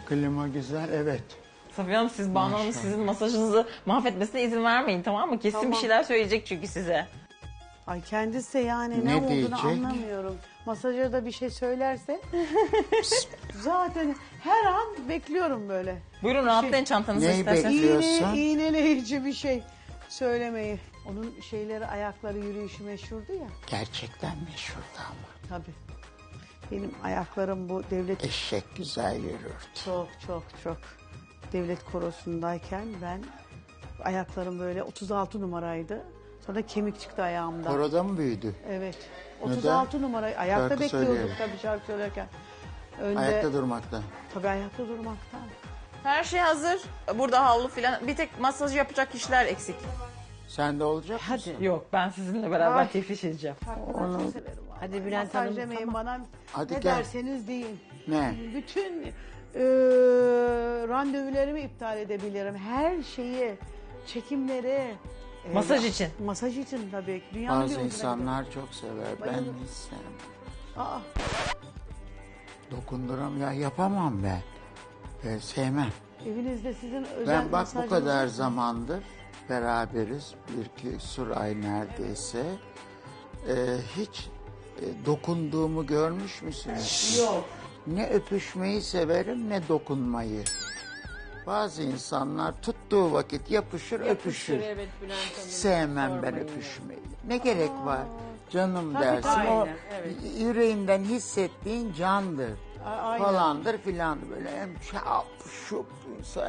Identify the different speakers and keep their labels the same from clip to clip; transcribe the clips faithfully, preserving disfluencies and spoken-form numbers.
Speaker 1: Klima güzel, evet.
Speaker 2: Safiye Hanım siz Banu Hanım'ın sizin masajınızı mahvetmesine izin vermeyin, tamam mı? Kesin
Speaker 3: Tamam.
Speaker 2: bir şeyler söyleyecek çünkü size.
Speaker 3: Ay kendisi de yani ne,
Speaker 1: Ne
Speaker 3: olduğunu
Speaker 1: diyecek?
Speaker 3: anlamıyorum. Masajör da bir şey söylerse zaten her an bekliyorum böyle.
Speaker 2: Buyurun rahatlayın çantanızı
Speaker 1: Neyi
Speaker 2: isterseniz.
Speaker 1: bekliyor?
Speaker 3: İğne,
Speaker 1: Biliyorsun.
Speaker 3: iğneleyici bir şey söylemeyi. Onun şeyleri ayakları yürüyüşü meşhurdu ya.
Speaker 1: Gerçekten meşhurdu ama.
Speaker 3: Tabii. Benim ayaklarım bu devlet
Speaker 1: Eşek güzel yürürdü.
Speaker 3: çok çok çok devlet korosundayken ben ayaklarım böyle otuz altı numaraydı. Sonra kemik çıktı ayağımda.
Speaker 1: Koroda mı büyüdü?
Speaker 3: Evet.
Speaker 1: Neden?
Speaker 3: otuz altı numara. Ayakta
Speaker 1: Şarkı
Speaker 3: bekliyorduk
Speaker 1: söyleyerek.
Speaker 3: tabii şarkı söylerken. Önde,
Speaker 1: Ayakta durmaktan.
Speaker 3: Tabii ayakta durmaktan.
Speaker 2: Her şey hazır. Burada havlu filan. Bir tek masaj yapacak kişiler eksik.
Speaker 1: Sen de olacak
Speaker 3: Hadi.
Speaker 1: mısın?
Speaker 2: Yok ben sizinle beraber
Speaker 3: Ay.
Speaker 2: tefriş edeceğim.
Speaker 3: Onu... Çok severim.
Speaker 4: Hadi Bülent
Speaker 3: Masaj
Speaker 4: Hanım,
Speaker 3: demeyin
Speaker 4: tamam.
Speaker 3: bana.
Speaker 1: Hadi
Speaker 3: ne
Speaker 1: gel.
Speaker 3: derseniz deyin.
Speaker 1: Ne?
Speaker 3: Bütün e, randevularımı iptal edebilirim. Her şeyi, çekimleri. e,
Speaker 2: Masaj için.
Speaker 3: Masaj için tabii. Dünyanın bir
Speaker 1: Bazı
Speaker 3: ucuna
Speaker 1: insanlar çok sever. Ben
Speaker 3: Bayılırım.
Speaker 1: hiç sevmem.
Speaker 3: gidelim. Aa,
Speaker 1: Dokunduram ya, yapamam ben. Ee, sevmem.
Speaker 3: evinizde sizin özel
Speaker 1: Ben bak bu
Speaker 3: masajınız
Speaker 1: kadar
Speaker 3: var mı?
Speaker 1: zamandır beraberiz. Bir küsur ay neredeyse. Ee, hiç e, dokunduğumu görmüş müsünüz?
Speaker 3: Yok.
Speaker 1: Ne öpüşmeyi severim ne dokunmayı. Bazı insanlar tuttuğu vakit yapışır, öpüşür.
Speaker 4: Evet Bülent
Speaker 1: Hiç
Speaker 4: Hanım.
Speaker 1: sevmem ben
Speaker 4: sormayın.
Speaker 1: öpüşmeyi. Ne gerek var? Canım
Speaker 3: Tabii,
Speaker 1: dersin.
Speaker 3: tabii.
Speaker 1: O
Speaker 4: Aynen, evet.
Speaker 1: yüreğinden hissettiğin candır.
Speaker 3: A- aynen.
Speaker 1: Falandır filandır. Böyle hem çap şup insan.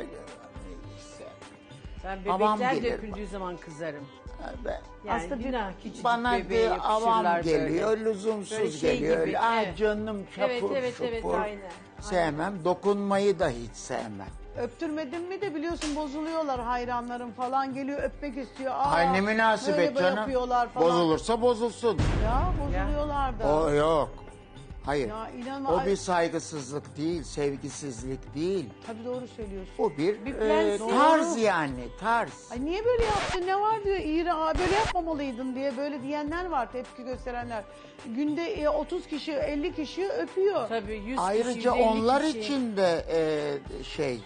Speaker 4: Ben
Speaker 1: Avam
Speaker 4: bebekler
Speaker 1: gelir
Speaker 4: döküldüğü zaman kızarım.
Speaker 1: Ben,
Speaker 4: Yani
Speaker 3: Aslında bir-
Speaker 4: günah küçücük
Speaker 1: bana
Speaker 4: bebeğe
Speaker 1: bir avam
Speaker 4: yapışırlar
Speaker 1: geliyor,
Speaker 4: böyle.
Speaker 1: lüzumsuz
Speaker 4: Böyle şey
Speaker 1: geliyor.
Speaker 4: gibi,
Speaker 1: Öyle, "Ay
Speaker 4: evet.
Speaker 1: canım çapur
Speaker 4: Evet, evet, evet,
Speaker 1: şupur."
Speaker 4: aynen,
Speaker 1: Sevmem. Dokunmayı da hiç sevmem.
Speaker 3: Öptürmedim mi de biliyorsun bozuluyorlar hayranlarım falan geliyor öpmek istiyor. Aa,
Speaker 1: Ay ne
Speaker 3: böyle
Speaker 1: münasebet
Speaker 3: böyle
Speaker 1: canım.
Speaker 3: yapıyorlar falan.
Speaker 1: Bozulursa bozulsun.
Speaker 3: Ya bozuluyorlar da.
Speaker 1: O yok. Hayır.
Speaker 3: Ya inanma.
Speaker 1: O
Speaker 3: ay-
Speaker 1: bir saygısızlık değil, sevgisizlik değil.
Speaker 3: Tabii doğru söylüyorsun.
Speaker 1: O bir,
Speaker 4: Bir
Speaker 1: e,
Speaker 4: prens-
Speaker 1: tarz
Speaker 3: Doğru.
Speaker 1: yani, tarz.
Speaker 3: Ay niye böyle yaptın ne var diyor İğre aa, böyle yapmamalıydın diye böyle diyenler var tepki gösterenler. Günde e, otuz kişi elli kişi öpüyor.
Speaker 4: Tabii yüz kişi,
Speaker 1: Ayrıca
Speaker 4: yüz elli
Speaker 1: onlar
Speaker 4: kişi.
Speaker 1: için de e, şey,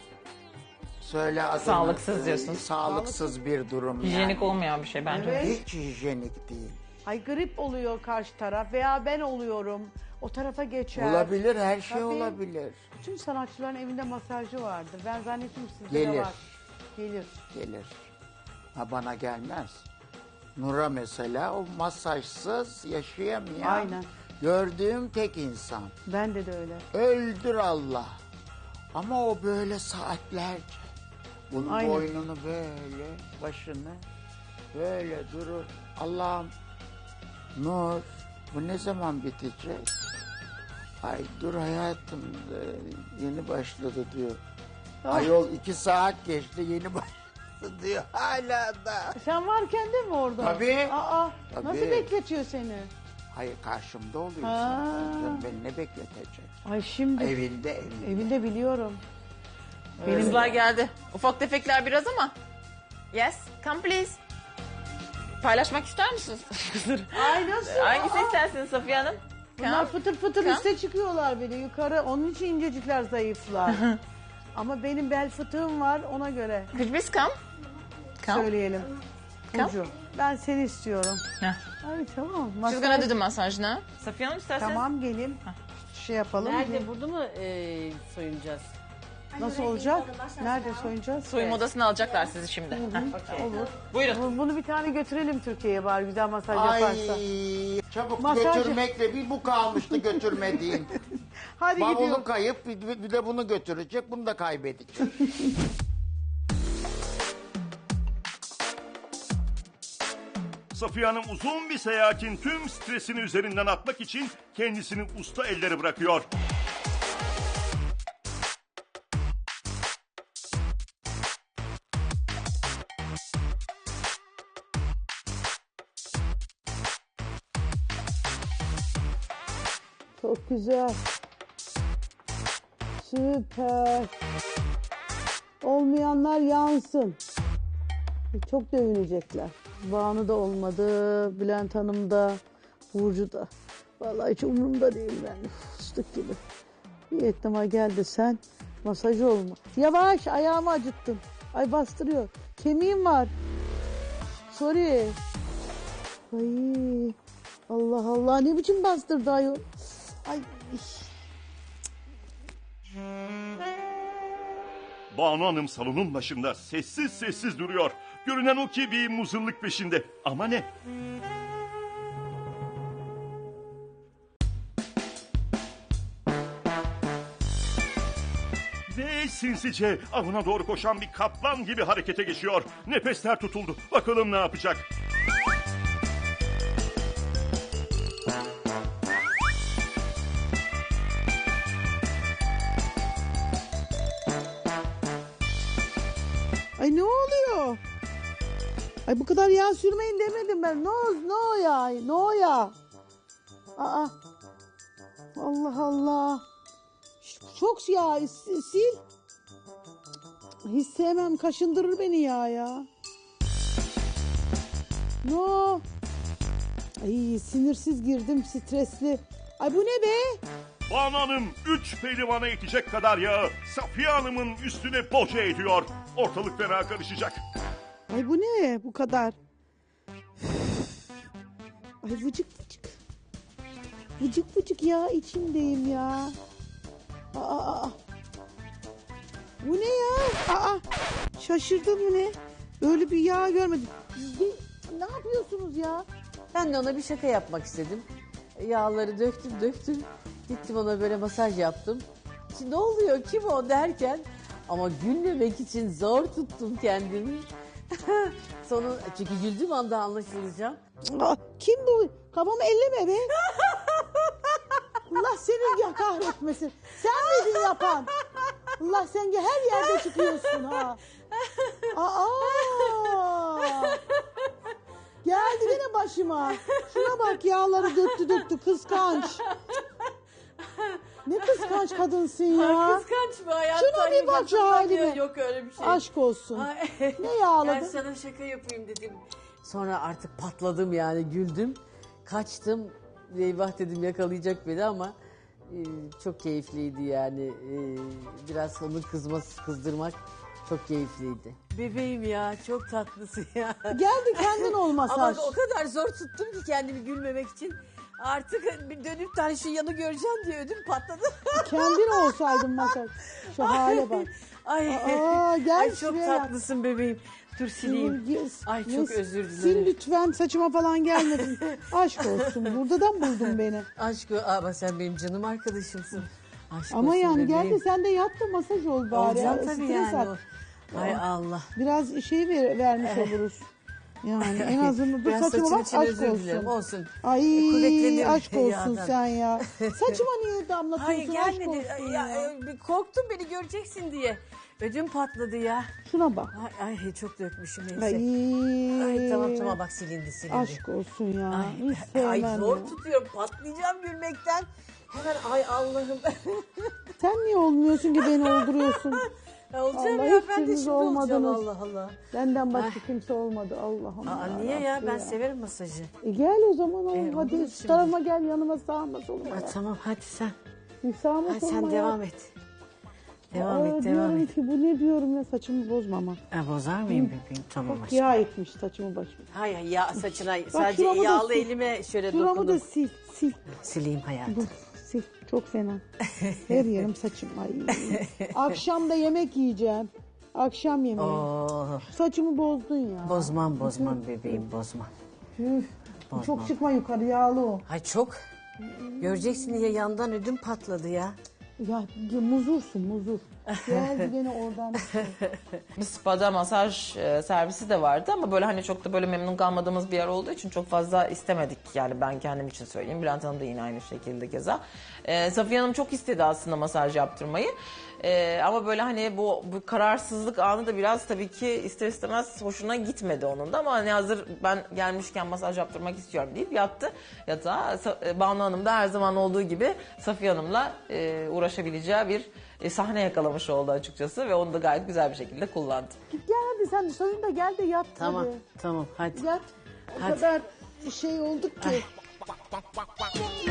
Speaker 1: söyle adını.
Speaker 2: Sağlıksız
Speaker 1: e,
Speaker 2: diyorsun.
Speaker 1: Sağlıksız bir durum
Speaker 2: Hijyenik
Speaker 1: yani.
Speaker 2: olmayan bir şey bence.
Speaker 3: Evet.
Speaker 1: Hiç hijyenik değil.
Speaker 3: Ay grip oluyor karşı taraf veya ben oluyorum. O tarafa geçer.
Speaker 1: Olabilir, her şey
Speaker 3: Tabii.
Speaker 1: olabilir.
Speaker 3: Bütün sanatçıların evinde masajcı vardır. Ben zannettim sizde de
Speaker 1: Gelir.
Speaker 3: var. Gelir.
Speaker 1: Gelir. Ha bana gelmez. Nur'a mesela o masajsız yaşayamayan.
Speaker 3: Aynen.
Speaker 1: Gördüğüm tek insan.
Speaker 3: Bende de öyle.
Speaker 1: Öldür Allah. Ama o böyle saatlerce. Bunun
Speaker 3: Aynen.
Speaker 1: boynunu böyle, başını böyle durur. Allah'ım, Nur, bu ne zaman bitecek? Ay dur hayatım, e, yeni başladı diyor. Ayol iki saat geçti, yeni başladı diyor. Hala da.
Speaker 3: Sen varken de mi orada?
Speaker 1: Tabii.
Speaker 3: Aa,
Speaker 1: Tabii.
Speaker 3: nasıl bekletiyor seni?
Speaker 1: Hayır, karşımda oluyorsun.
Speaker 3: Ha.
Speaker 1: Canım, beni ne bekletecek?
Speaker 3: Ay şimdi
Speaker 1: Evinde, evinde.
Speaker 3: evinde biliyorum. Benim
Speaker 2: Kızlar geldi. Ufak tefekler biraz ama. Yes, come please. Paylaşmak ister misiniz?
Speaker 3: Ay nasıl?
Speaker 2: Hangisi
Speaker 3: Aa,
Speaker 2: istersiniz Safiye Hanım?
Speaker 3: bunlar
Speaker 2: Come.
Speaker 3: fıtır fıtır
Speaker 2: Kan?
Speaker 3: üste çıkıyorlar beni yukarı. Onun için incecikler zayıflar. Ama benim bel fıtığım var ona göre
Speaker 2: Could you please come? Come.
Speaker 3: söyleyelim.
Speaker 2: Kan?
Speaker 3: Burcu, ben seni istiyorum.
Speaker 2: Heh.
Speaker 3: Ay tamam.
Speaker 2: She's
Speaker 3: Masaj-
Speaker 2: gonna do the massage now. Safiye Hanım isterseniz.
Speaker 3: Tamam gelin. Şey yapalım.
Speaker 4: Nerede burada mı e, soyunacağız?
Speaker 3: Nasıl olacak? Nerede soyunacağız?
Speaker 2: Soyunma odasına alacaklar sizi şimdi. Heh.
Speaker 3: Olur.
Speaker 2: Buyurun.
Speaker 3: Bu- Bunu bir tane götürelim Türkiye'ye bari güzel masaj
Speaker 1: Ay
Speaker 3: yaparsa.
Speaker 1: çabuk
Speaker 3: Masaj-
Speaker 1: götürmekle bir bu kalmıştı götürmediğin.
Speaker 3: Hadi
Speaker 1: Bavulu
Speaker 3: gidiyorum.
Speaker 1: kayıp bir, bir de bunu götürecek, bunu da kaybedecek.
Speaker 5: Safiye Hanım uzun bir seyahatin tüm stresini üzerinden atmak için kendisini usta ellere bırakıyor.
Speaker 3: Çok güzel. Süper. Olmayanlar yansın. Çok dövünecekler. Banu da olmadı, Bülent Hanım da, Burcu da. Vallahi hiç umurumda değil ben. Fıstık gibi. Bir ihtimal gel de sen Masaj olma. Yavaş, ayağımı acıttın. Ay bastırıyor. Kemiğim var. Sorry. Ay Allah Allah, ne biçim bastırdı ayol. Ay.
Speaker 5: Banu Hanım salonun başında sessiz sessiz duruyor. Görünen o ki bir muzırlık peşinde. Ama ne? Ve sinsice avına doğru koşan bir kaplan gibi harekete geçiyor. Nefesler tutuldu. Bakalım ne yapacak?
Speaker 3: Ay ne oluyor? Ay bu kadar yağ sürmeyin demedim ben. No, no ya, no ya. Aa. Allah Allah. Çok yağ sil. Hiç sevmem, kaşındırır beni yağ ya. No. Ay sinirsiz girdim, stresli. Ay bu ne be?
Speaker 5: Banu Hanım üç pehlivana yetecek kadar yağı Safiye Hanım'ın üstüne boca ediyor. Ortalık fena karışacak.
Speaker 3: Ay bu ne bu kadar? Ay vıcık vıcık. Vıcık vıcık ya, içimdeyim ya. Aa, aa. Bu ne ya? Aa, şaşırdım, bu ne? Böyle bir yağ görmedim. Ne, ne yapıyorsunuz ya?
Speaker 4: Ben de ona bir şaka yapmak istedim. Yağları döktüm döktüm. Gittim ona böyle masaj yaptım. Şimdi ne oluyor, kim o derken ama gülmemek için zor tuttum kendimi. Sonu, çünkü güldüğüm anda anlaşılacağım.
Speaker 3: Aa, kim bu? Kafamı elleme be. Allah seni ya kahretmesin. Sen miydin yapan? Allah, sen her yerde çıkıyorsun ha. Aa! Geldi yine başıma. Şuna bak, yağları döktü döktü, kıskanç. Ne kıskanç kadınsın ya.
Speaker 4: Kıskanç mı hayatta?
Speaker 3: Şuna bir bak şu haline.
Speaker 4: Yok öyle bir şey.
Speaker 3: Aşk olsun.
Speaker 4: Ay.
Speaker 3: Ne yağladı?
Speaker 4: Ben sana şaka yapayım dedim. Sonra artık patladım yani, güldüm. Kaçtım. Eyvah dedim, yakalayacak beni ama e, çok keyifliydi yani. E, biraz onu kızması, kızdırmak çok keyifliydi. Bebeğim ya, çok tatlısın ya.
Speaker 3: Geldi kendin ol masaj.
Speaker 4: Ama o kadar zor tuttum ki kendimi gülmemek için. Artık bir dönüp de hani şu yanı göreceğim diye ödüm patladı.
Speaker 3: Kendin olsaydın masaj. Şu hale bak.
Speaker 4: Ay,
Speaker 3: Aa, gel
Speaker 4: ay çok
Speaker 3: şuraya yap.
Speaker 4: tatlısın bebeğim. Dur sileyim.
Speaker 3: Yes,
Speaker 4: Ay
Speaker 3: yes.
Speaker 4: çok özür
Speaker 3: Sil
Speaker 4: dilerim.
Speaker 3: lütfen, saçıma falan gelmedin. Aşk olsun. Buradan buldun beni.
Speaker 4: Aşk o- ama sen benim canım arkadaşımsın. Aşk
Speaker 3: Ama
Speaker 4: olsun
Speaker 3: yani gel
Speaker 4: bebeğim.
Speaker 3: de sen de yat da masaj ol bari.
Speaker 4: Olacağım
Speaker 3: Ya,
Speaker 4: tabii
Speaker 3: stres
Speaker 4: yani.
Speaker 3: at.
Speaker 4: o. Ay Allah.
Speaker 3: Biraz şey ver, vermiş oluruz. Yani en azından dur,
Speaker 4: Biraz
Speaker 3: saçıma
Speaker 4: saçın
Speaker 3: bak,
Speaker 4: için
Speaker 3: aşk
Speaker 4: özür dilerim.
Speaker 3: olsun.
Speaker 4: Olsun.
Speaker 3: Ay
Speaker 4: Kuvvetlenirim
Speaker 3: aşk olsun
Speaker 4: yağdan.
Speaker 3: sen ya. Saçıma niye
Speaker 4: Hayır
Speaker 3: damlatıyorsun, aşk
Speaker 4: gelmedi.
Speaker 3: olsun
Speaker 4: Ya,
Speaker 3: ya.
Speaker 4: e, bir korktum beni göreceksin diye. Ödüm patladı ya.
Speaker 3: Şuna bak.
Speaker 4: Ay, ay çok dökmüşüm neyse.
Speaker 3: Ay,
Speaker 4: Ay tamam tamam bak silindi silindi.
Speaker 3: aşk olsun ya.
Speaker 4: Ay,
Speaker 3: Hiç sevmem
Speaker 4: ay zor
Speaker 3: ya.
Speaker 4: tutuyorum, patlayacağım gülmekten. Hemen ay Allah'ım.
Speaker 3: Sen niye olmuyorsun ki beni olduruyorsun?
Speaker 4: Ya olacağım
Speaker 3: Allah,
Speaker 4: ya,
Speaker 3: hiç
Speaker 4: ben de
Speaker 3: siz
Speaker 4: şimdi olacağım,
Speaker 3: olmadınız.
Speaker 4: Allah Allah.
Speaker 3: Benden başka kimse olmadı Allah'ım.
Speaker 4: Aa,
Speaker 3: ya
Speaker 4: niye ya,
Speaker 3: Rabbi
Speaker 4: ben
Speaker 3: ya.
Speaker 4: severim masajı.
Speaker 3: E gel o zaman oğlum,
Speaker 4: E,
Speaker 3: hadi
Speaker 4: olur
Speaker 3: şu
Speaker 4: şimdi.
Speaker 3: tarafa gel, yanıma, sağıma soluma.
Speaker 4: Ha,
Speaker 3: ya.
Speaker 4: tamam hadi sen.
Speaker 3: Bir sağıma
Speaker 4: Hadi
Speaker 3: soluma
Speaker 4: sen
Speaker 3: ya.
Speaker 4: devam et. Devam
Speaker 3: Aa,
Speaker 4: et devam
Speaker 3: diyorum
Speaker 4: et.
Speaker 3: ki bu ne diyorum ya, saçımı bozma ama.
Speaker 4: Ha, bozar mıyım bebeğim? Tamam
Speaker 3: Bak
Speaker 4: aşkım.
Speaker 3: yağ etmiş saçımı başımı.
Speaker 4: Hayır ya, saçına sadece
Speaker 3: şuramı da
Speaker 4: yağlı
Speaker 3: sil.
Speaker 4: elime şöyle
Speaker 3: Şuramı da
Speaker 4: dokundum.
Speaker 3: sil, sil.
Speaker 4: Sileyim hayatım.
Speaker 3: Dur, sil. Çok fena. Her yerim saçım. Ay. Akşam da yemek yiyeceğim. Akşam yemeği.
Speaker 4: Oo,
Speaker 3: Saçımı bozdun ya.
Speaker 4: bozmam bozmam bebeğim, bozmam.
Speaker 3: Üf,
Speaker 4: Bozmam.
Speaker 3: çok çıkma yukarı, yağlı o.
Speaker 4: Ay çok. Göreceksin diye yandan ödüm patladı ya.
Speaker 3: Ya, ya muzursun muzur. Geldi gene oradan.
Speaker 2: Bir spada masaj e, servisi de vardı ama böyle hani çok da böyle memnun kalmadığımız bir yer olduğu için çok fazla istemedik. Yani ben kendim için söyleyeyim. Bülent Hanım da yine aynı şekilde keza. E, Safiye Hanım çok istedi aslında masaj yaptırmayı. E, ama böyle hani bu, bu kararsızlık anı da biraz tabii ki ister istemez hoşuna gitmedi onun da. Ama hani hazır ben gelmişken masaj yaptırmak istiyorum deyip yattı yatağa. Sa- e, Banu Hanım da her zaman olduğu gibi Safiye Hanım'la e, uğraşabileceği bir e, sahne yakalamış oldu açıkçası ve onu da gayet güzel bir şekilde kullandı.
Speaker 3: Git gel hadi, sen soyun da gel de yat.
Speaker 4: Tamam
Speaker 3: hadi.
Speaker 4: tamam hadi.
Speaker 3: Yat. O
Speaker 4: Hadi.
Speaker 3: kadar şey olduk ki.